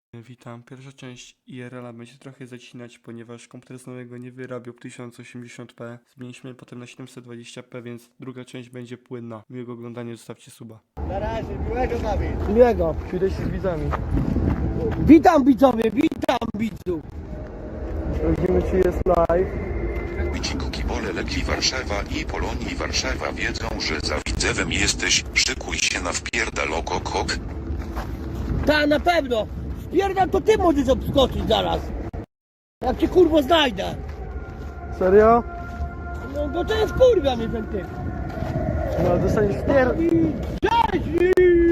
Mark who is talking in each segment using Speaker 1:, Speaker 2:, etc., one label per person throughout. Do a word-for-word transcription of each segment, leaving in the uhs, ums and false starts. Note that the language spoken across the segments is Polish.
Speaker 1: Witam. Pierwsza część I R L-a będzie trochę zacinać, ponieważ komputer z nowego nie wyrabiał tysiąc osiemdziesiąt p. Zmieniliśmy potem na siedemset dwadzieścia p, więc druga część będzie płynna. Miłego oglądania, zostawcie suba.
Speaker 2: Na razie, miłego Dawid.
Speaker 3: Miłego.
Speaker 1: Przyjdę się z widzami.
Speaker 3: Witam widzowie, witam widzów.
Speaker 1: Sprawdzimy, czy jest live.
Speaker 4: Wyciku kibole Legii Warszawa i Polonii Warszawa wiedzą, że za Widzewem jesteś, szykuj się na wpierdaloko kok.
Speaker 3: Ta, na pewno. Spierdam, to ty możesz obskoczyć zaraz. Jak cię kurwo znajdę.
Speaker 1: Serio?
Speaker 3: No bo to jest kurwa mnie ten typ.
Speaker 1: No, dostaniesz wpier...
Speaker 3: Cześć!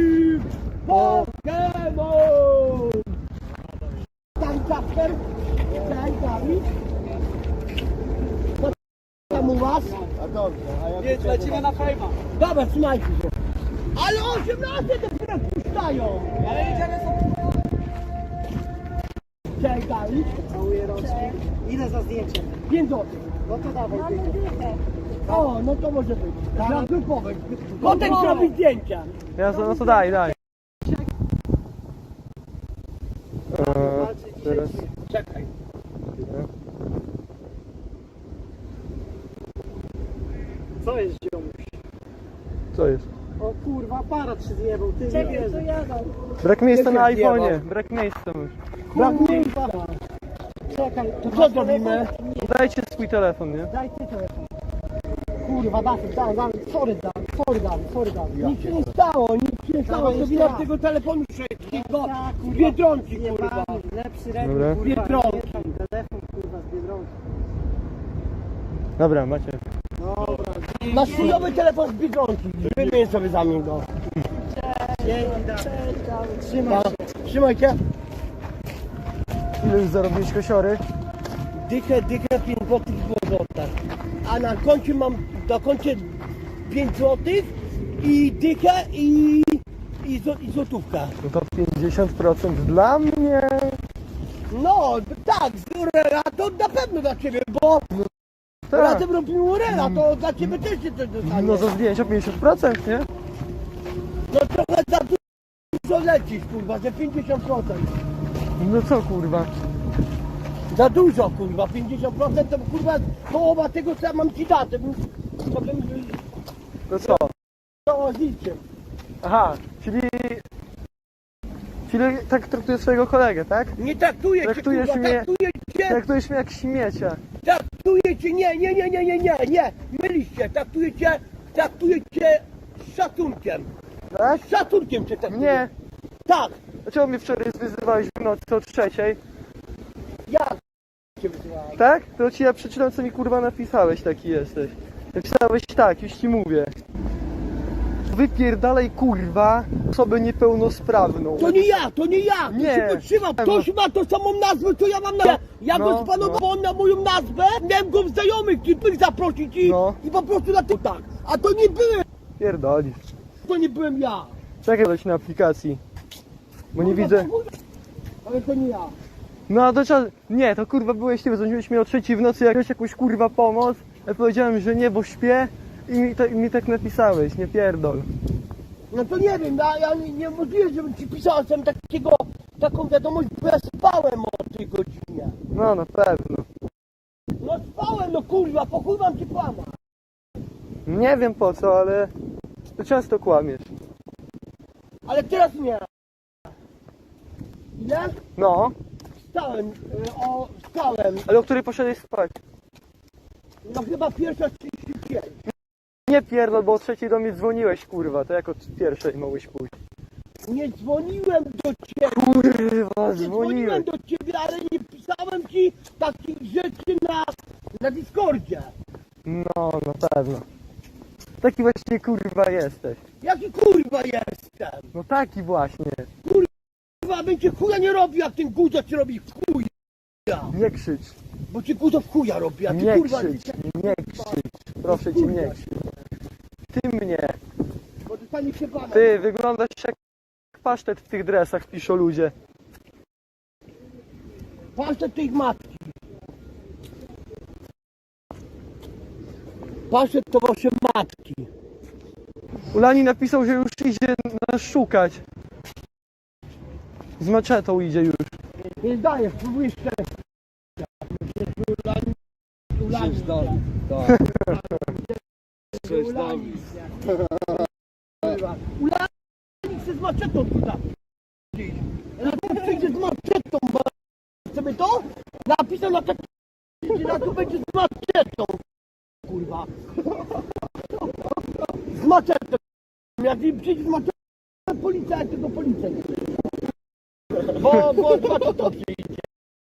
Speaker 3: Pokémon! Tam Kasper? Cześć Dawid? Co tam u was?
Speaker 2: A dobrze, a ja
Speaker 3: Nie, lecimy na fejma. Dobra, trzymajcie się. Ale osiemnaście dopiero puszczają. Ale jedziemy sobie. Cześć Dawid.
Speaker 2: całuję rączki. Ile za zdjęcie?
Speaker 3: pięć złotych.
Speaker 2: No to dawaj dychę.
Speaker 3: O, no to może być. Dla grupowych. Potem zrobić zdjęcia.
Speaker 1: Ja, no to daj, daj.
Speaker 2: Eee,
Speaker 1: teraz.
Speaker 3: Czekaj.
Speaker 2: Co jest ziomuś?
Speaker 1: Co jest?
Speaker 2: O kurwa, aparat się zjebał, ty
Speaker 5: Czekaj,
Speaker 2: nie
Speaker 5: to jadą.
Speaker 1: Brak miejsca na
Speaker 3: Jakie zjeba?
Speaker 1: iPhonie. Brak miejsca już.
Speaker 3: Brak miejsca.
Speaker 2: Czekaj,
Speaker 3: To co zrobimy?
Speaker 1: Dajcie swój telefon, nie?
Speaker 2: daj ty telefon. Kurwa, Dawid, daj, daj, sorry Dawid, sorry Dawid, sorry Dawid.
Speaker 3: Nic się nie stało, nic się nie stało.
Speaker 2: Dawaj
Speaker 3: To
Speaker 2: jeszcze
Speaker 3: wina
Speaker 2: raz.
Speaker 3: tego telefonu szybkiego.
Speaker 2: Tak,
Speaker 3: Z
Speaker 2: kurwa.
Speaker 3: Biedronki,
Speaker 2: Nie
Speaker 3: kurwa.
Speaker 2: pan, lepszy
Speaker 1: Dobra.
Speaker 2: ręk, kurwa,
Speaker 3: Biedronki.
Speaker 2: nie tam, telefon kurwa z Biedronki.
Speaker 1: Dobra, macie.
Speaker 2: Dobra,
Speaker 3: Masz chujowy telefon z Biedronki. Wymień sobie za mnie go.
Speaker 2: dzięki Dawid. Trzymaj się.
Speaker 3: Trzymajcie.
Speaker 1: Ile już zarobiłeś kosiory?
Speaker 3: Dychę, dychę, pięć złotych było złota. A na koncie mam, na koncie pięć złotych i dychę i, i, zł- i złotówka.
Speaker 1: No to pięćdziesiąt procent dla mnie.
Speaker 3: No, tak, z Urela to na pewno dla ciebie, bo
Speaker 1: Tak.
Speaker 3: razem robimy Urela, to dla ciebie też się coś dostanie.
Speaker 1: No za zdjęcia pięćdziesiąt procent, nie?
Speaker 3: No trochę za dużo lecisz, kurwa, że pięćdziesiąt procent.
Speaker 1: No co kurwa?
Speaker 3: Za dużo, kurwa, pięćdziesiąt procent to kurwa połowa tego, co ja mam ci dać, to bym, to bym
Speaker 1: To co?
Speaker 3: to liczył.
Speaker 1: Aha, czyli... Czyli tak traktujesz swojego kolegę, tak?
Speaker 3: Nie traktuję cię,
Speaker 1: Traktujesz
Speaker 3: kurwa,
Speaker 1: mnie-
Speaker 3: traktuję cię,
Speaker 1: Traktujesz mnie jak śmiecia.
Speaker 3: traktuję cię, nie, nie, nie, nie, nie, nie, nie, mylisz się, traktuję cię, traktuję cię z szacunkiem.
Speaker 1: Tak?
Speaker 3: Z szacunkiem cię traktuję.
Speaker 1: Nie.
Speaker 3: Tak,
Speaker 1: Dlaczego mnie wczoraj wyzywałeś w nocy o trzeciej?
Speaker 3: ja cię wysyłałem.
Speaker 1: Tak? To ci ja przeczytam, co mi kurwa napisałeś, taki jesteś. Napisałeś tak, już ci mówię. Wypierdalaj kurwa osobę niepełnosprawną.
Speaker 3: To nie ja, to nie ja, to
Speaker 1: Nie.
Speaker 3: się potrzymam, ktoś ma tą samą nazwę, co ja mam na... Ja
Speaker 1: No,
Speaker 3: go spanowałem na moją nazwę, miałem go w znajomych, tych zaprosić i,
Speaker 1: No.
Speaker 3: i po prostu na to tak. A to nie byłem,
Speaker 1: Pierdolisz.
Speaker 3: to nie byłem ja.
Speaker 1: Czekaj dać na aplikacji. Bo nie widzę.
Speaker 3: Ale to nie ja.
Speaker 1: No a do czasu. Nie, to kurwa byłeś ty, dzwoniłeś mi o trzeciej w nocy jakąś jakąś kurwa pomoc. Ja powiedziałem, że nie, bo śpię i mi, to, i mi tak napisałeś, nie pierdol.
Speaker 3: No to nie wiem, ja, ja nie, nie możliwe, żebym ci pisał sam takiego, taką wiadomość, bo ja spałem o tej godzinie.
Speaker 1: No na pewno.
Speaker 3: No spałem, no kurwa, po chuj mam ci kłamać.
Speaker 1: Nie wiem po co, ale to często kłamiesz.
Speaker 3: Ale teraz nie. Ile?
Speaker 1: No,
Speaker 3: Stałem, y, o, stałem,
Speaker 1: ale o której poszedłeś spać?
Speaker 3: no chyba pierwsza trzydzieści pięć.
Speaker 1: Nie pierdol, bo o trzeciej do mnie dzwoniłeś kurwa, to jak od pierwszej mogłeś pójść.
Speaker 3: Nie dzwoniłem do ciebie,
Speaker 1: Kurwa,
Speaker 3: nie dzwoniłem
Speaker 1: dzwoniłeś.
Speaker 3: do ciebie, ale nie pisałem ci takich rzeczy na, na Discordzie.
Speaker 1: No, na pewno. Taki właśnie kurwa jesteś.
Speaker 3: Jaki kurwa jestem?
Speaker 1: No taki właśnie.
Speaker 3: Kurwa, bym cię chuja nie robił, jak ten guzo ci robi w chuja.
Speaker 1: Nie krzycz.
Speaker 3: Bo ci guzo w chuja robi, a ty
Speaker 1: Nie
Speaker 3: kurwa...
Speaker 1: krzycz, nie krzycz. Proszę cię, nie krzycz. Ty mnie.
Speaker 3: Bo dostanie się pana.
Speaker 1: Ty wyglądasz jak pasztet w tych dresach, piszą ludzie.
Speaker 3: Pasztet tych matki. Pasztet to wasze matki.
Speaker 1: Ulani napisał, że już idzie nas szukać.
Speaker 5: Z maczetą idzie już.
Speaker 2: Nie zdajesz, próbujesz szczęścia. Ulani.
Speaker 3: Tak.
Speaker 2: Ulani. Ulani chce z maczetą tutaj. Ale to przyjdzie z maczetą, bo sobie to napisał na tak, na to będzie z maczetą. Kurwa. Z maczetą. Jak mi przyjdzie z maczetą, policja, tylko policja. Bo, bo z maczetą przyjdzie.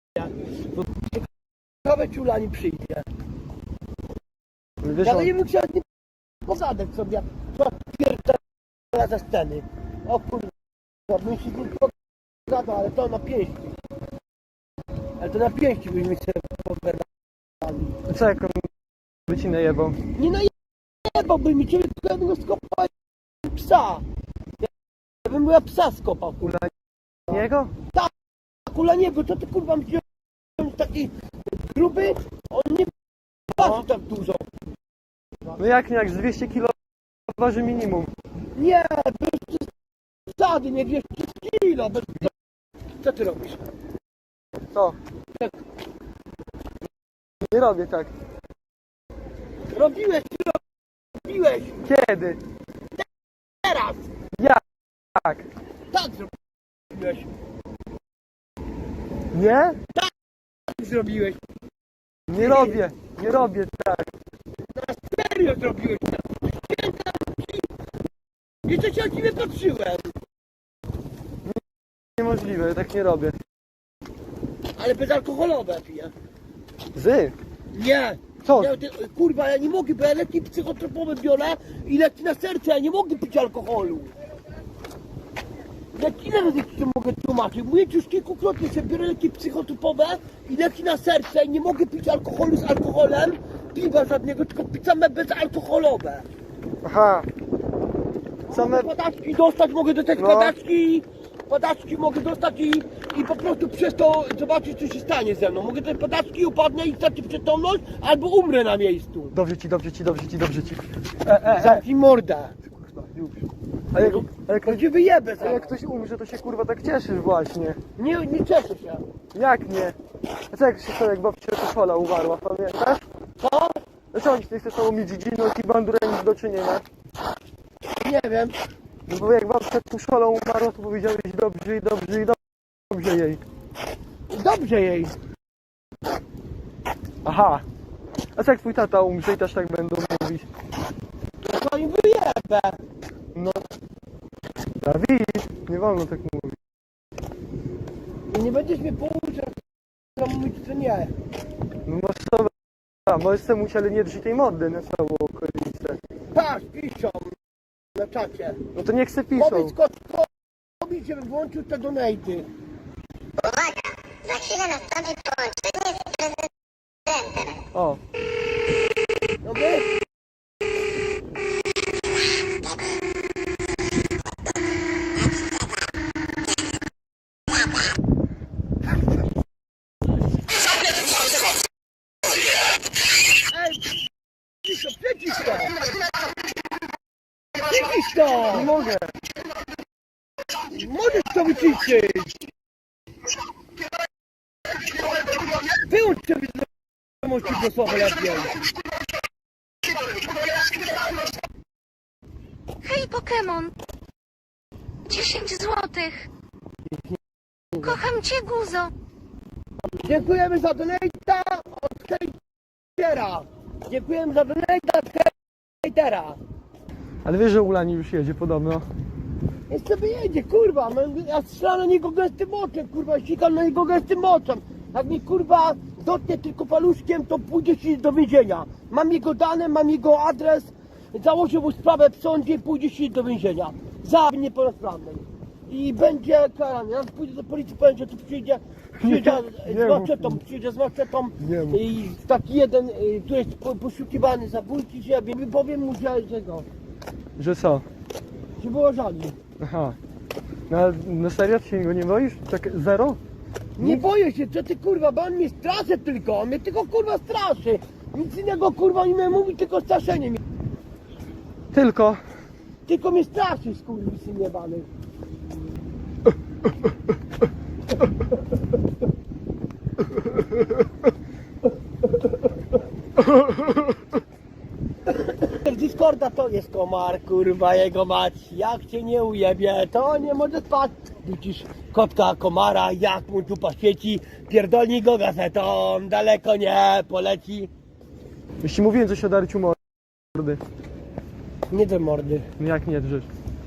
Speaker 2: Ciekawe czy Ulani przyjdzie.
Speaker 5: Wiesz,
Speaker 2: Ja
Speaker 5: on,
Speaker 2: nie bym chciał z nim pogadać sobie, co pierdolę ze sceny. O kurwa, bym się z nim pogadał, ale to na pięści. Ale to na pięści byśmy się pogadali.
Speaker 5: co jak on by ci najebał?
Speaker 2: Nie najebałby mi ciebie, tylko ja bym go skopał jak psa. Ja bym go psa skopał, kurwa.
Speaker 5: Niego?
Speaker 2: Kula niego, to ty kurwa mi się taki gruby, on nie waży tak dużo.
Speaker 5: No jak nie, jak z dwieście kilo waży minimum.
Speaker 2: Nie, bez przesady, nie dwieście kilo. Bez... Co ty robisz?
Speaker 5: Co? Nie robię tak.
Speaker 2: Robiłeś, robiłeś,
Speaker 5: Kiedy?
Speaker 2: teraz.
Speaker 5: Jak?
Speaker 2: Tak zrobiłeś,
Speaker 5: Nie?
Speaker 2: tak zrobiłeś.
Speaker 5: Nie robię. Nie robię tak.
Speaker 2: Serio zrobiłeś. Święta ci. Jeszcze się o ciebie patrzyłem.
Speaker 5: Niemożliwe, ja tak nie robię.
Speaker 2: Ale bezalkoholowe piję.
Speaker 5: Zy?
Speaker 2: Nie.
Speaker 5: Co?
Speaker 2: Ja, ty, kurwa, ja nie mogę, bo ja leki psychotropowe biorę i leki na serce, ja nie mogę pić alkoholu. Jak ile razy ci to mogę tłumaczyć? Mówię ci już kilkukrotnie, że biorę leki psychotropowe i leki na serce i nie mogę pić alkoholu z alkoholem, piwa żadnego, tylko pić same bezalkoholowe.
Speaker 5: Aha. Same...
Speaker 2: Padaczki dostać mogę do tych
Speaker 5: No.
Speaker 2: padaczki, padaczki mogę dostać i, i po prostu przez to zobaczyć co się stanie ze mną. Mogę te padaczki upadnę i stracić przytomność albo umrę na miejscu.
Speaker 5: Dobrze ci, dobrze ci, dobrze ci, dobrze ci. E, e, e.
Speaker 2: Zamknij mordę.
Speaker 5: A jak, a jak,
Speaker 2: To cię wyjebę
Speaker 5: a
Speaker 2: zaraz.
Speaker 5: jak ktoś umrze, to się kurwa tak cieszysz właśnie.
Speaker 2: Nie, nie cieszę się.
Speaker 5: Jak nie? A co jak się stało, jak babcia Tuszola umarła, pamiętasz?
Speaker 2: Co?
Speaker 5: Dlaczego oni nie chcą mieć dziedziną i bandurę nic do czynienia?
Speaker 2: Nie wiem.
Speaker 5: No bo jak babcia Tuszola umarła, to powiedziałeś dobrze i dobrze i dobrze jej.
Speaker 2: Dobrze jej.
Speaker 5: Aha. A co jak twój tata umrze i też tak będą mówić?
Speaker 2: To im wyjebę.
Speaker 5: No. Dawid, nie wolno tak mówić.
Speaker 2: I nie będziesz mnie pouczał, co mówić, co nie.
Speaker 5: No masz sobie... A, możesz sobie mówić, ale nie drży tej mody na całą okolicę.
Speaker 2: Patrz, piszą na czacie.
Speaker 5: No to niech se piszą.
Speaker 2: Powiedz Kotkowi, żeby włączył te donaty.
Speaker 6: Uwaga! Za chwilę nastąpi połączenie z prezydentem.
Speaker 5: O.
Speaker 2: Dobry? Ej, cicho, przeciw to! Przeciw to!
Speaker 5: Nie mogę.
Speaker 2: Możesz to wyciszyć! Wyłącz sobie z słowa lepiej!
Speaker 7: Hej, Pokémon! dziesięć złotych! Kocham cię, Guzo!
Speaker 2: Dziękujemy za donata od hejtera! Dziękujemy za donata od hejtera!
Speaker 5: Ale wiesz, że Ulani już jedzie podobno.
Speaker 2: Jest sobie jedzie, kurwa, no, ja strzelam na niego gęstym oczem, kurwa, sikam na niego gęstym oczem. Jak mi kurwa dotknie tylko paluszkiem, to pójdzie się do więzienia. Mam jego dane, mam jego adres, założę mu sprawę w sądzie i pójdzie się do więzienia. Za niepełnosprawnej. I będzie karany. Jak pójdę do policji, powiem, że tu przyjdzie, przyjdzie
Speaker 5: Nie,
Speaker 2: z
Speaker 5: nie
Speaker 2: maczetą,
Speaker 5: mów.
Speaker 2: przyjdzie z maczetą
Speaker 5: Nie mów.
Speaker 2: i taki jeden, y, który jest po- poszukiwany zabójki, że ja wiem, powiem mu, że tego,
Speaker 5: Że co?
Speaker 2: że było żali.
Speaker 5: Aha. No ale na serio, ty się go nie boisz? Tak zero?
Speaker 2: Nie boję się, co ty kurwa, bo on mnie straszy tylko, on mnie tylko kurwa straszy. Nic innego kurwa nie mnie mówi, tylko straszenie mnie.
Speaker 5: Tylko.
Speaker 2: Tylko mnie straszy, skurwysyn jebany. Z Discorda to jest komar, kurwa, jego mać. Jak cię nie ujebie, to nie może spać. Widzisz kotka komara, jak mu dupa świeci, pierdolnij go gazetą, daleko nie poleci.
Speaker 5: Już ci mówiłem coś o darciu mordy.
Speaker 2: Nie do mordy.
Speaker 5: No jak nie drzesz?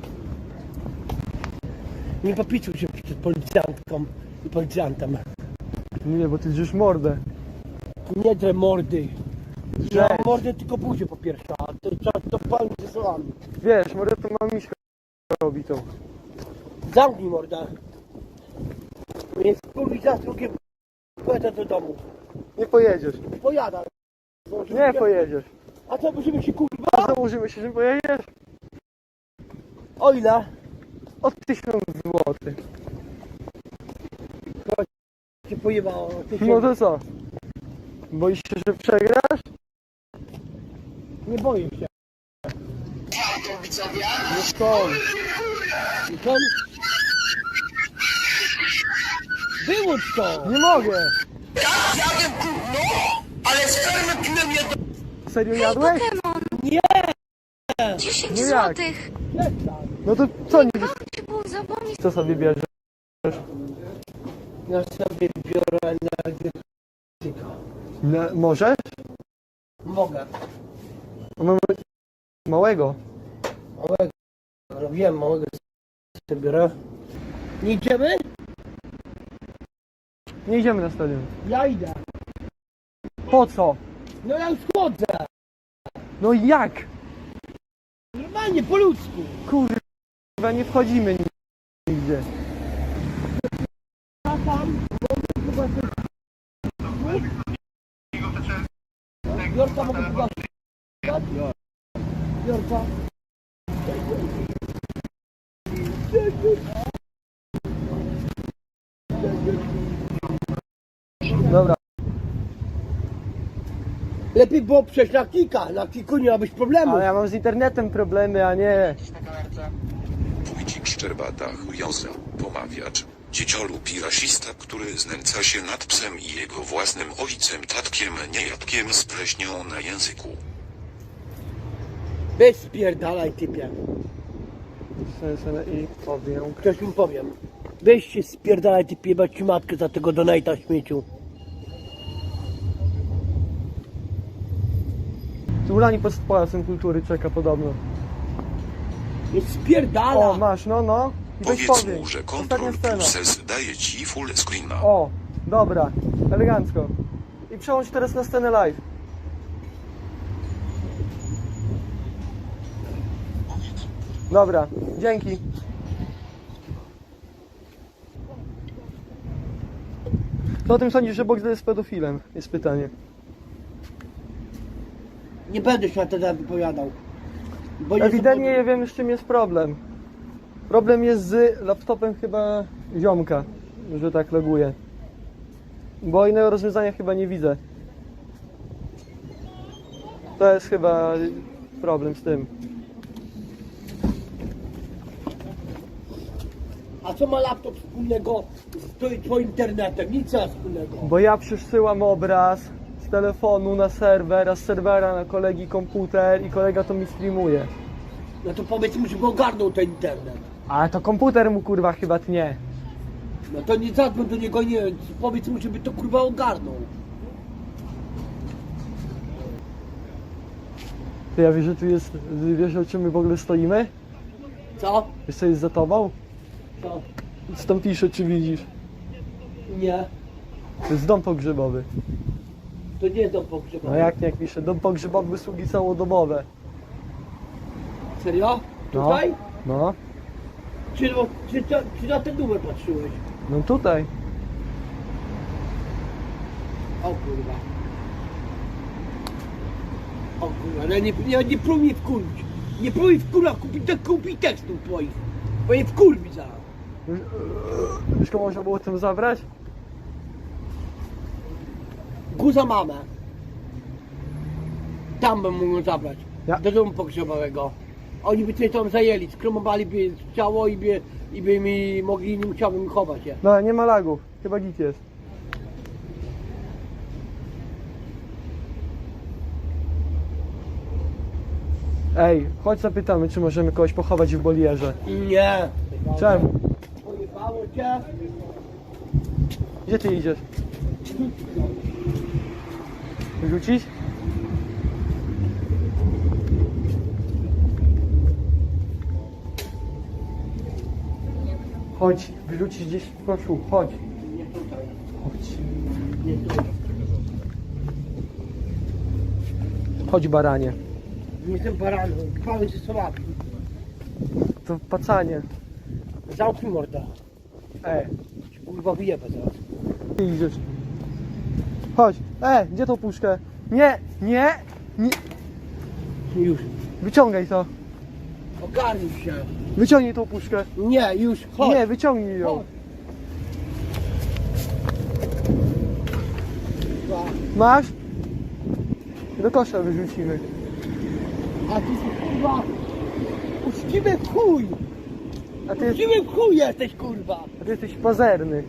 Speaker 2: Nie popisuj się przed policjantką i policjantem.
Speaker 5: Nie, bo ty drzesz mordę.
Speaker 2: Nie drę mordy. Ja
Speaker 5: Drzesz.
Speaker 2: mordę tylko buzię po pierwsze, a to czas to pan ze słowami.
Speaker 5: Wiesz, mordę to mam miśka robi to.
Speaker 2: Zamknij mordę. Więc kurwi za drugim pojadę do domu.
Speaker 5: Nie pojedziesz.
Speaker 2: Pojadam.
Speaker 5: Nie pojedziesz.
Speaker 2: A co, musimy się kurwa?
Speaker 5: A założymy się, że pojedziesz?
Speaker 2: O ile?
Speaker 5: O tysiąc złotych.
Speaker 2: Cię pojebało. Ty się...
Speaker 5: No to co? Boisz się, że przegrasz?
Speaker 2: Nie boję się.
Speaker 5: No skąd?
Speaker 2: I co? Wyłącz to!
Speaker 5: Nie mogę!
Speaker 2: Jadłem kurno, ale z fermy piłem jedno.
Speaker 5: Serio jadłeś?
Speaker 7: Pokemon.
Speaker 2: Nie!
Speaker 7: dziesięć
Speaker 5: No jak?
Speaker 7: złotych.
Speaker 5: No to co nie
Speaker 7: Kocham cię guzo, bo mi
Speaker 5: Co sobie bierzesz?
Speaker 2: Ja sobie biorę energetyka.
Speaker 5: No, możesz?
Speaker 2: Mogę.
Speaker 5: Mamy małego.
Speaker 2: Małego. Robiłem małego sobie biorę. Nie idziemy?
Speaker 5: Nie idziemy na stadion.
Speaker 2: Ja idę.
Speaker 5: Po co?
Speaker 2: No ja już chodzę.
Speaker 5: No jak?
Speaker 2: Normalnie, po ludzku.
Speaker 5: Kurwa, nie wchodzimy nigdzie.
Speaker 2: A tam? Chyba coś... Jorka mogę zobaczyć. Jorka.
Speaker 5: Dobra.
Speaker 2: Lepiej było przejść na kika. Na kiku nie ma być problemu.
Speaker 5: Ale ja mam z internetem problemy, a nie...
Speaker 4: Wójcik Szczerbata chujoza, pomawiacz, dzieciolub i rasista, który znęca się nad psem i jego własnym ojcem tatkiem niejadkiem z pleśnią na języku.
Speaker 2: Weź spierdalaj, typie.
Speaker 5: Sensene i powiem.
Speaker 2: Ktoś mi powiem. Weź się spierdalaj, typie, jebać ci matkę za tego donata śmieciu.
Speaker 5: Tu Ulani pod Pałacem Kultury czeka podobno.
Speaker 2: Jest spierdala.
Speaker 5: O, masz, no, no. I weź
Speaker 4: Powiedz
Speaker 5: powiem.
Speaker 4: mu, że
Speaker 5: Ostatnia
Speaker 4: Ctrl
Speaker 5: scena.
Speaker 4: plus S daje ci full screena.
Speaker 5: O, dobra, elegancko. I przełącz teraz na scenę live. Dobra, dzięki. Co o tym sądzisz, że Bogdan jest pedofilem? Jest pytanie.
Speaker 2: Nie będę się na ten temat wypowiadał. Bo nie
Speaker 5: Ewidentnie
Speaker 2: zobaczę-
Speaker 5: nie wiem, z czym jest problem. Problem jest z laptopem chyba ziomka, że tak loguje. Bo innego rozwiązania chyba nie widzę. To jest chyba problem z tym.
Speaker 2: A co ma laptop wspólnego z twoim- twoim internetem? Nic nie ma wspólnego.
Speaker 5: Bo ja przesyłam obraz z telefonu na serwer, a z serwera na kolegi komputer i kolega to mi streamuje.
Speaker 2: No to powiedz mu, żeby ogarnął ten internet.
Speaker 5: Ale to komputer mu kurwa chyba tnie.
Speaker 2: No to nie zadzwoń do niego, nie wiem, powiedz mu, żeby to kurwa ogarnął.
Speaker 5: Ty, ja wiesz, że tu jest, wiesz o czym my w ogóle stoimy?
Speaker 2: Co?
Speaker 5: Wiesz co jest za tobą?
Speaker 2: Co?
Speaker 5: Co tam pisze, czy widzisz?
Speaker 2: Nie.
Speaker 5: To jest dom pogrzebowy.
Speaker 2: To nie jest dom pogrzebowy.
Speaker 5: No jak nie, jak pisze, dom pogrzebowy, usługi całodobowe.
Speaker 2: Serio?
Speaker 5: No.
Speaker 2: Tutaj?
Speaker 5: No,
Speaker 2: Czy, czy, czy, czy na ten numer patrzyłeś?
Speaker 5: no tutaj.
Speaker 2: O kurwa. O kurwa, no nie, nie, nie próbuj mnie wkurwić. Nie próbuj wkurwa kupić, te- kupić tekstów twoich. Bo je wkurwi zaraz.
Speaker 5: Wiesz, komu można było tym zabrać?
Speaker 2: Guza mamę. Tam bym mógł zabrać.
Speaker 5: Ja-
Speaker 2: Do domu pogrzebowego. Oni by cię tam zajęli, skromowaliby ciało i by, i by mi mogli, nie musiałbym chować je.
Speaker 5: No, nie ma lagów. chyba git jest. Ej, chodź zapytamy, czy możemy kogoś pochować w bolierze.
Speaker 2: Nie.
Speaker 5: Czemu?
Speaker 2: Pojebało cię.
Speaker 5: Gdzie ty idziesz? Wyrzucić? Chodź, wyrzucić gdzieś w koszu, chodź. Chodź. Chodź baranie.
Speaker 2: Nie jestem baranem, chwały się słabki.
Speaker 5: To pacanie.
Speaker 2: Zamknij morda.
Speaker 5: Ej,
Speaker 2: Ci kurwa wyjebę zaraz.
Speaker 5: ty idziesz. Chodź. E, gdzie tą puszkę? Nie, nie, nie.
Speaker 2: Już.
Speaker 5: Wyciągaj to.
Speaker 2: Ogarnij się.
Speaker 5: Wyciągnij tą puszkę.
Speaker 2: Nie, już, chodź.
Speaker 5: Nie, wyciągnij ją.
Speaker 2: Chodź. Kurwa.
Speaker 5: Masz? Do kosza wyrzucimy.
Speaker 2: A ty kurwa. Uczciwy chuj.
Speaker 5: A ty,
Speaker 2: Uczciwy chuj jesteś kurwa.
Speaker 5: a ty jesteś pazerny.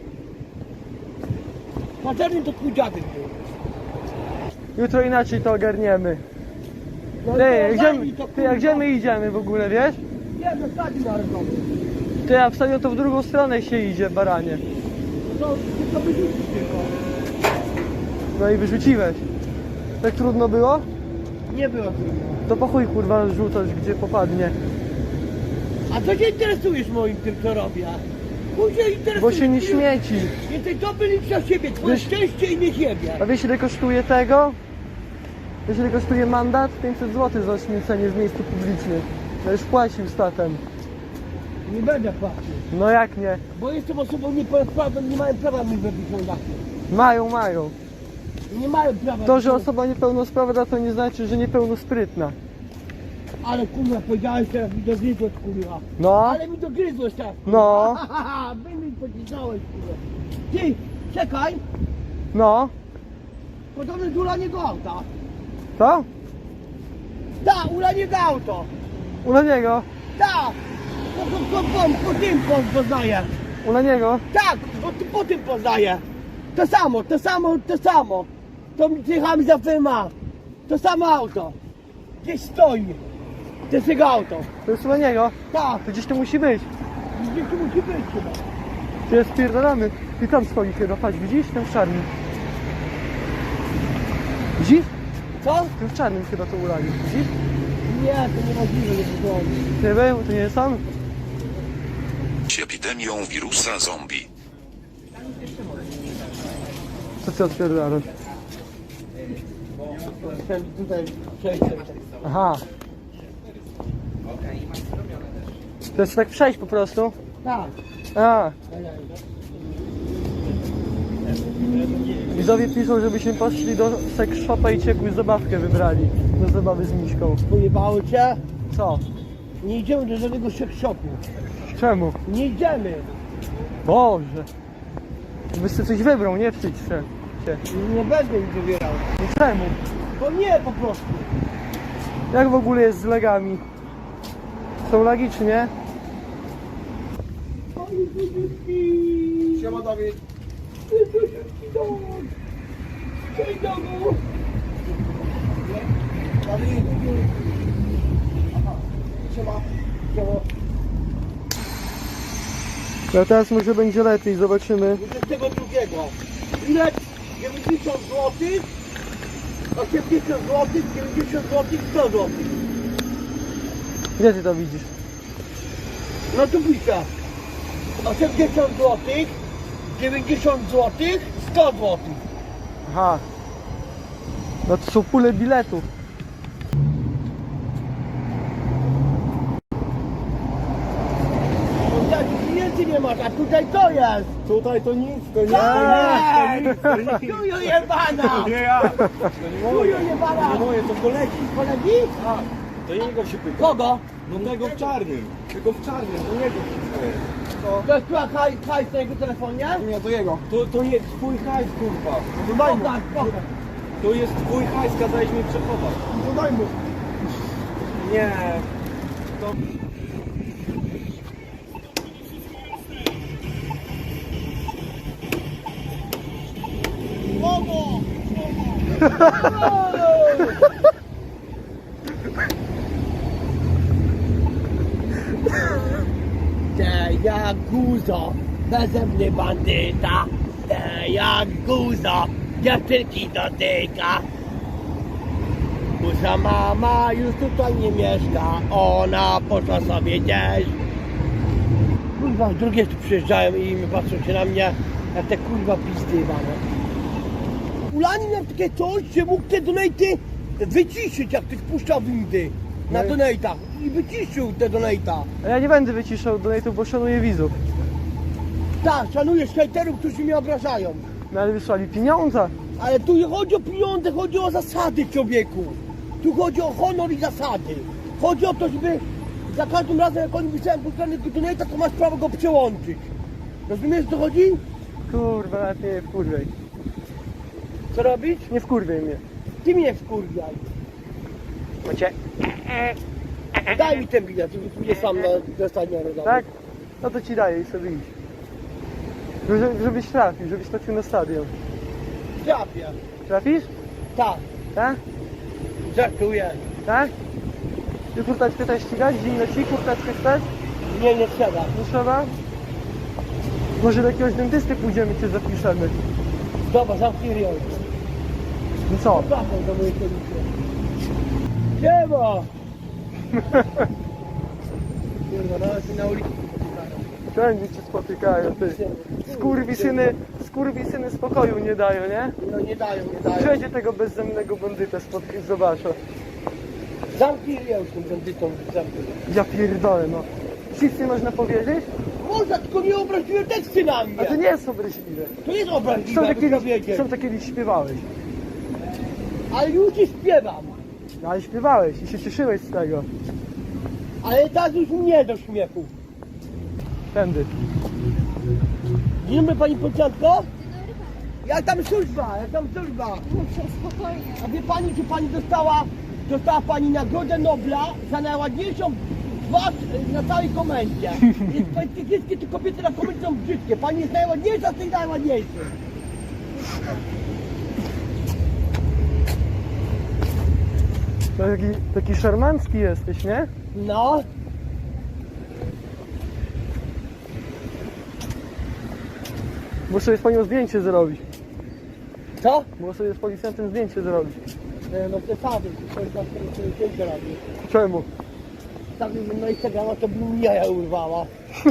Speaker 2: Paterny to twój dziadek był.
Speaker 5: Jutro inaczej to ogarniemy.
Speaker 2: No
Speaker 5: Ty,
Speaker 2: to
Speaker 5: jak gdzie,
Speaker 2: ogarnij to,
Speaker 5: ty, jak gdzie
Speaker 2: kurwa.
Speaker 5: my idziemy w ogóle, wiesz?
Speaker 2: Nie, no stadzi narodowy.
Speaker 5: Ty, a wstawią to w drugą stronę się idzie, baranie.
Speaker 2: To, ty to wyrzucisz tylko.
Speaker 5: No i wyrzuciłeś. Tak trudno było?
Speaker 2: Nie było trudno.
Speaker 5: To po chuj kurwa rzucasz gdzie popadnie.
Speaker 2: A co się interesujesz moim tym, co robię? Chuj się interesujesz.
Speaker 5: Bo się nie śmieci.
Speaker 2: Jesteś dobry licz na siebie, twoje
Speaker 5: Wiesz-
Speaker 2: szczęście i nie siebie.
Speaker 5: A wiesz ile kosztuje tego? Wiesz ile kosztuje mandat? pięćset złotych za śmiecenie w miejscu publicznym. Ja już płacił statem.
Speaker 2: Nie będę płacił.
Speaker 5: No jak nie?
Speaker 2: Bo jestem osobą niepełnosprawną, nie mają prawa mi wybić mandaty.
Speaker 5: Mają, mają.
Speaker 2: Nie mają prawa.
Speaker 5: To, że osoba niepełnosprawna to nie znaczy, że niepełnosprytna.
Speaker 2: Ale kurwa, powiedziałeś teraz mi dogryzłeś kurwa.
Speaker 5: No,
Speaker 2: Ale mi dogryzłeś teraz.
Speaker 5: no,
Speaker 2: Haha, wy mi pocisnąłeś kurwa. Ty, czekaj.
Speaker 5: no.
Speaker 2: Podobno do ulaniego auta.
Speaker 5: Co?
Speaker 2: Da, ulaniego auto.
Speaker 5: U na niego.
Speaker 2: Da. Po, po, po, po, po tym po- poznaję.
Speaker 5: U na niego.
Speaker 2: Tak, po, po tym poznaję. To samo, to samo, to samo. To jechałem za firma. To samo auto. Gdzieś stoi. To jest jego auto.
Speaker 5: To jest u na niego.
Speaker 2: Tak,
Speaker 5: To gdzieś to musi być.
Speaker 2: gdzieś tu musi być chyba.
Speaker 5: To jest spierdolamy. I tam stoi chyba, patrz, widzisz? Ten w czarnym. Widzisz?
Speaker 2: Co?
Speaker 5: Ten w czarnym chyba to ulali. Widzisz?
Speaker 2: Nie, to niemożliwe, nie wygląda.
Speaker 5: Nie był, to nie jest on?
Speaker 4: Epidemią wirusa zombie.
Speaker 5: Co ty odpierdalasz?
Speaker 2: Chcę tutaj przejść.
Speaker 5: Aha. To jest tak przejść po prostu?
Speaker 2: Tak.
Speaker 5: A. Widzowie piszą, żebyśmy poszli do sex shopa i ciekły zabawkę wybrali. Do zabawy z Miśką.
Speaker 2: Pojebało cię?
Speaker 5: Co?
Speaker 2: Nie idziemy do żadnego sex shopu.
Speaker 5: Czemu?
Speaker 2: Nie idziemy.
Speaker 5: Boże. Byś sobie coś wybrał, nie wstydź się. się.
Speaker 2: Nie będę ich wybierał.
Speaker 5: No czemu?
Speaker 2: Bo nie po prostu.
Speaker 5: Jak w ogóle jest z legami? Są lagi czy nie?
Speaker 2: Siema Dawid. Cześć domu. Dawid. Siema. Siema.
Speaker 5: No teraz może będzie lepiej, zobaczymy.
Speaker 2: dwudziestego drugiego. Ile? dziewięćdziesiąt złotych, osiemdziesiąt złotych, dziewięćdziesiąt złotych, sto złotych.
Speaker 5: Gdzie ty to widzisz?
Speaker 2: No tu piszę. osiemdziesiąt złotych, dziewięćdziesiąt złotych, sto złotych.
Speaker 5: Aha. No to są pule biletów.
Speaker 2: Tutaj pieniędzy nie masz, a tutaj to jest.
Speaker 3: Tutaj to nic, to nie.
Speaker 2: To jest! Kuju jebana!
Speaker 3: Nie ja.
Speaker 2: Kuju jebana!
Speaker 3: Nie moje, to kolegi.
Speaker 2: Kolegi?
Speaker 3: To jego się pyta.
Speaker 2: Kogo?
Speaker 3: No tego w czarnym. Tego w czarnym, to jego wszystko jest.
Speaker 2: To jest chyba haj, hajs na jego telefonie?
Speaker 3: Nie, to jego. To, to jest twój hajs, kurwa. To daj mu.
Speaker 2: Pokaż, pokaż.
Speaker 3: To jest twój hajs, kazałeś mi przechować.
Speaker 2: To daj mu.
Speaker 3: Nie. To...
Speaker 2: Te jak guzo, beze mnie bandyta. Te jak guzo, dziewczynki dotyka. Guza mama już tutaj nie mieszka, ona poszła sobie gdzieś. Kurwa, drugie tu przyjeżdżają i mi patrzą się na mnie, jak te kurwa pizdy jebane. Ulani miał takie coś, że mógł te donaty wyciszyć, jak ktoś puszczał windy na
Speaker 5: No i-
Speaker 2: donatach. I wyciszył te donata.
Speaker 5: A ja nie będę wyciszał donate'ów, bo szanuję widzów.
Speaker 2: Tak, szanuję hejterów, którzy mnie obrażają.
Speaker 5: No ale wysłali pieniądze.
Speaker 2: Ale tu nie chodzi o pieniądze, chodzi o zasady, człowieku. Tu chodzi o honor i zasady. Chodzi o to, żeby za każdym razem, jak oni wysyłają puszczanego donata, to masz prawo go przełączyć. Rozumiesz, o co chodzi?
Speaker 5: Kurwa, nawet nie wkurwiej.
Speaker 2: Co robić?
Speaker 5: Nie wkurwiej mnie.
Speaker 2: Ty mnie wkurwiaj.
Speaker 5: Macie?
Speaker 2: Daj mi ten bilet, żeby pójdę sam na dostanie rozdanie.
Speaker 5: Tak? No to ci daję i sobie idź. Żeby, żebyś trafił, żebyś trafił na stadion.
Speaker 2: Trafię.
Speaker 5: Trafisz?
Speaker 2: Tak,
Speaker 5: Tak?
Speaker 2: żartuję.
Speaker 5: Tak? Ty kurteczkę też ścigać? Zimno ci kurteczkę chcesz?
Speaker 2: Nie, nie trzeba.
Speaker 5: Nie trzeba? Może do jakiegoś dentysty pójdziemy, cię zapiszemy.
Speaker 2: Dobra, zamknij ryj.
Speaker 5: No co?
Speaker 2: Zapraszam do mojej komisji. Siema! Kurwa, nawet mi na ulicy spotykają.
Speaker 5: Wszędzie cię spotykają, ty. Skurwisyny, skurwisyny spokoju nie dają, nie?
Speaker 2: No nie dają, nie dają.
Speaker 5: Wszędzie tego bezzemnego bandytę spotkać, zobaczę.
Speaker 2: Zamknij ryj już tym bandytom. Zamknij.
Speaker 5: Ja pierdolę, no. Nic nie można powiedzieć?
Speaker 2: Można, tylko nie obraziłem teksty na mnie.
Speaker 5: A to nie jest obraźliwe.
Speaker 2: To jest
Speaker 5: Są
Speaker 2: obraźliwe,
Speaker 5: takie,
Speaker 2: aby to wiedzieć.
Speaker 5: są takie kiedyś śpiewałeś.
Speaker 2: Ale już nie śpiewam.
Speaker 5: No ale śpiewałeś i się cieszyłeś z tego.
Speaker 2: Ale teraz już nie do śmiechu.
Speaker 5: Tędy.
Speaker 2: Dzień dobry pani policjantko. Jak tam służba, jak tam służba?
Speaker 7: Spokojnie.
Speaker 2: A wie pani, czy pani dostała, dostała pani Nagrodę Nobla za najładniejszą twarz na całej komendzie. Jest pani wszystkie te kobiety na komendzie są brzydkie. Pani jest najładniejsza z tych najładniejszych.
Speaker 5: Taki, taki szarmancki jesteś, nie?
Speaker 2: No.
Speaker 5: Muszę sobie z panią zdjęcie zrobić.
Speaker 2: Co?
Speaker 5: Muszę sobie z policjantem zdjęcie zrobić.
Speaker 2: E, No przesady, to jest na zdjęcie robi.
Speaker 5: Czemu?
Speaker 2: Tak bym na Instagrama to bym jaja urwała.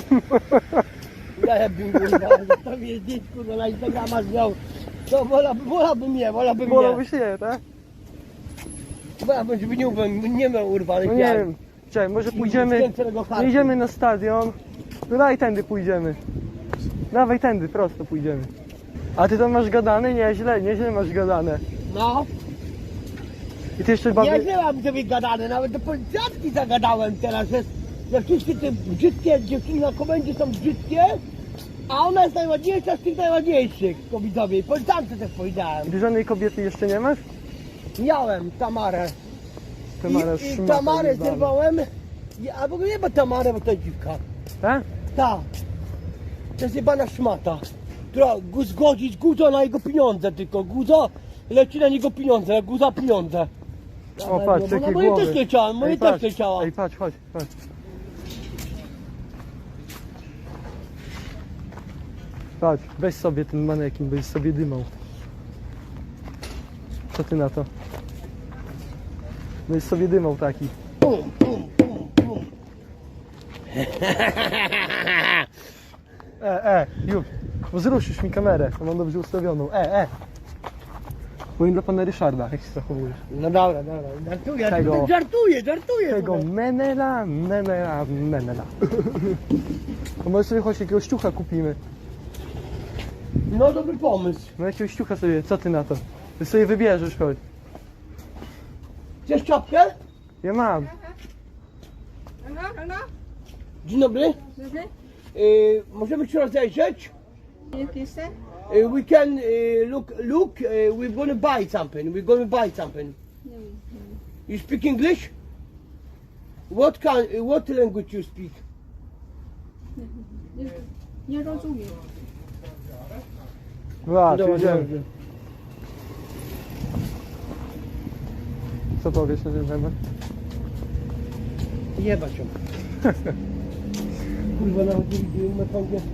Speaker 2: Jaja bym urwała, to mnie zdjęć kurwa na Instagrama zmiał. To wolałbym, wolałbym nie, wolałbym nie.
Speaker 5: Wolałbyś nie, tak?
Speaker 2: Wolałbym, żeby nie, uwę- nie miał urwanych
Speaker 5: No nie
Speaker 2: jaj.
Speaker 5: wiem. Czekaj, może pójdziemy,
Speaker 2: Skręconego hartu.
Speaker 5: nie idziemy na stadion. No daj tędy pójdziemy. Dawaj tędy, prosto pójdziemy. A ty tam masz gadane? Nieźle, nieźle masz gadane.
Speaker 2: No.
Speaker 5: I ty jeszcze
Speaker 2: Ja
Speaker 5: bawię...
Speaker 2: nie mam sobie gadane, nawet do policjantki zagadałem teraz, że, że wszystkie te brzydkie dziewczyny na komendzie są brzydkie, a ona jest najładniejsza z tych najładniejszych kobietowie. Policjantce też powiedziałem.
Speaker 5: Ty żadnej kobiety jeszcze nie masz?
Speaker 2: Miałem Tamarę.
Speaker 5: Tamara
Speaker 2: I, i
Speaker 5: szmata
Speaker 2: Tamarę
Speaker 5: jebana.
Speaker 2: zerwałem. I, a w ogóle nie ma Tamarę, bo to jest dziwka.
Speaker 5: Tak?
Speaker 2: Ta. To jest jebana szmata. Która gu- zgodzić Guzo na jego pieniądze tylko. Guzo leci na niego pieniądze, Guza pieniądze.
Speaker 5: O patrz,
Speaker 2: no,
Speaker 5: jakie
Speaker 2: moje
Speaker 5: głowy.
Speaker 2: też leciałem, moje
Speaker 5: Ej,
Speaker 2: też
Speaker 5: patrz,
Speaker 2: leciała.
Speaker 5: Ej, patrz, chodź, chodź. Patrz, weź sobie ten manekin, byś sobie dymał. Co ty na to? Byś sobie dymał taki.
Speaker 2: Pum, pum, pum, pum.
Speaker 5: E, e, już. Bo zruszysz mi kamerę, to mam dobrze ustawioną. E, e. Powiem dla pana Ryszarda, jak się zachowujesz.
Speaker 2: No dobra, dobra, żartuję,
Speaker 5: Tego-
Speaker 2: żartuję, żartuję.
Speaker 5: Tego
Speaker 2: sobie.
Speaker 5: menela, menela, menela. To może sobie choć jakiegoś ciucha kupimy.
Speaker 2: No dobry pomysł.
Speaker 5: No jakiegoś ciucha sobie, co ty na to? Ty sobie wybierzesz, chodź.
Speaker 2: Chcesz czapkę?
Speaker 5: Ja mam.
Speaker 2: Dzień dobry. Y, możemy się rozejrzeć? Y, we can y, look, look, y, we're gonna buy something, we're gonna buy something. You speak English? What kind, y, what language you speak?
Speaker 7: Nie rozumiem.
Speaker 5: Dwa,
Speaker 2: Dobra,
Speaker 5: jedziemy.
Speaker 2: dobrze.
Speaker 5: Co powiesz na ten temat?
Speaker 2: Jebać ją. Kurwa, nawet nie widziałem na po angielsku.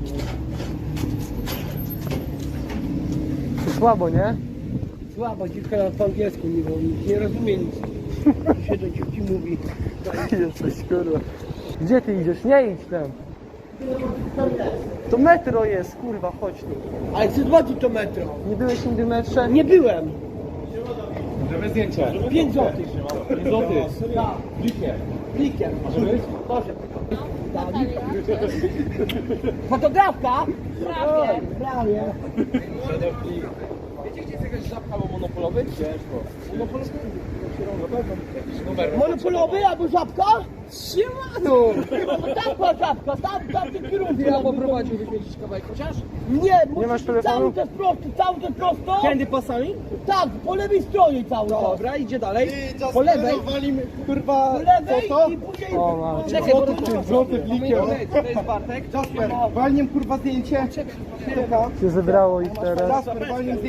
Speaker 5: Słabo, nie?
Speaker 2: Słaba dziewka nawet po angielsku nie, bo nie rozumie nic. Się do dziewki mówi.
Speaker 5: Jesteś kurwa. Gdzie ty idziesz? Nie idź tam. To metro jest, kurwa, chodź tu.
Speaker 2: Ale co zobaczyć to metro?
Speaker 5: Nie byłeś nigdy w metrze?
Speaker 2: Nie byłem.
Speaker 8: Żeby zdjęcie.
Speaker 2: pięć złotych.
Speaker 8: Złoty.
Speaker 2: Tak.
Speaker 8: Blikiem.
Speaker 2: Blikiem.
Speaker 8: Może być?
Speaker 2: Może.
Speaker 7: Natalia.
Speaker 2: Fotografka?
Speaker 7: Prawie.
Speaker 2: Prawie.
Speaker 8: Wiecie, gdzie jest jakaś żabka albo monopolowy? Ciężko. Monopolowy? Jakiś numer.
Speaker 2: Monopolowy albo żabka?
Speaker 8: Siemano!
Speaker 2: No tak była żabka, tam, tam tym kierunku.
Speaker 8: Ja poprowadziłbyś mnie gdzieś kawałek chociaż?
Speaker 2: Nie, musisz
Speaker 5: masz telefonu?
Speaker 2: cały czas prosto, cały czas prosto.
Speaker 8: Tędy pasami?
Speaker 2: Tak, po lewej stronie cały czas.
Speaker 8: Dobra, idzie dalej.
Speaker 2: Po lewej.
Speaker 8: Walimy, kurwa,
Speaker 2: Po lewej i później...
Speaker 5: O, ma.
Speaker 8: Czekaj, bo to złoty blikiem. To jest Bartek. Jasper, walniem kurwa zdjęcie. Czekaj.
Speaker 5: Się zebrało ich teraz.
Speaker 8: Jasper, walniem zdjęcie.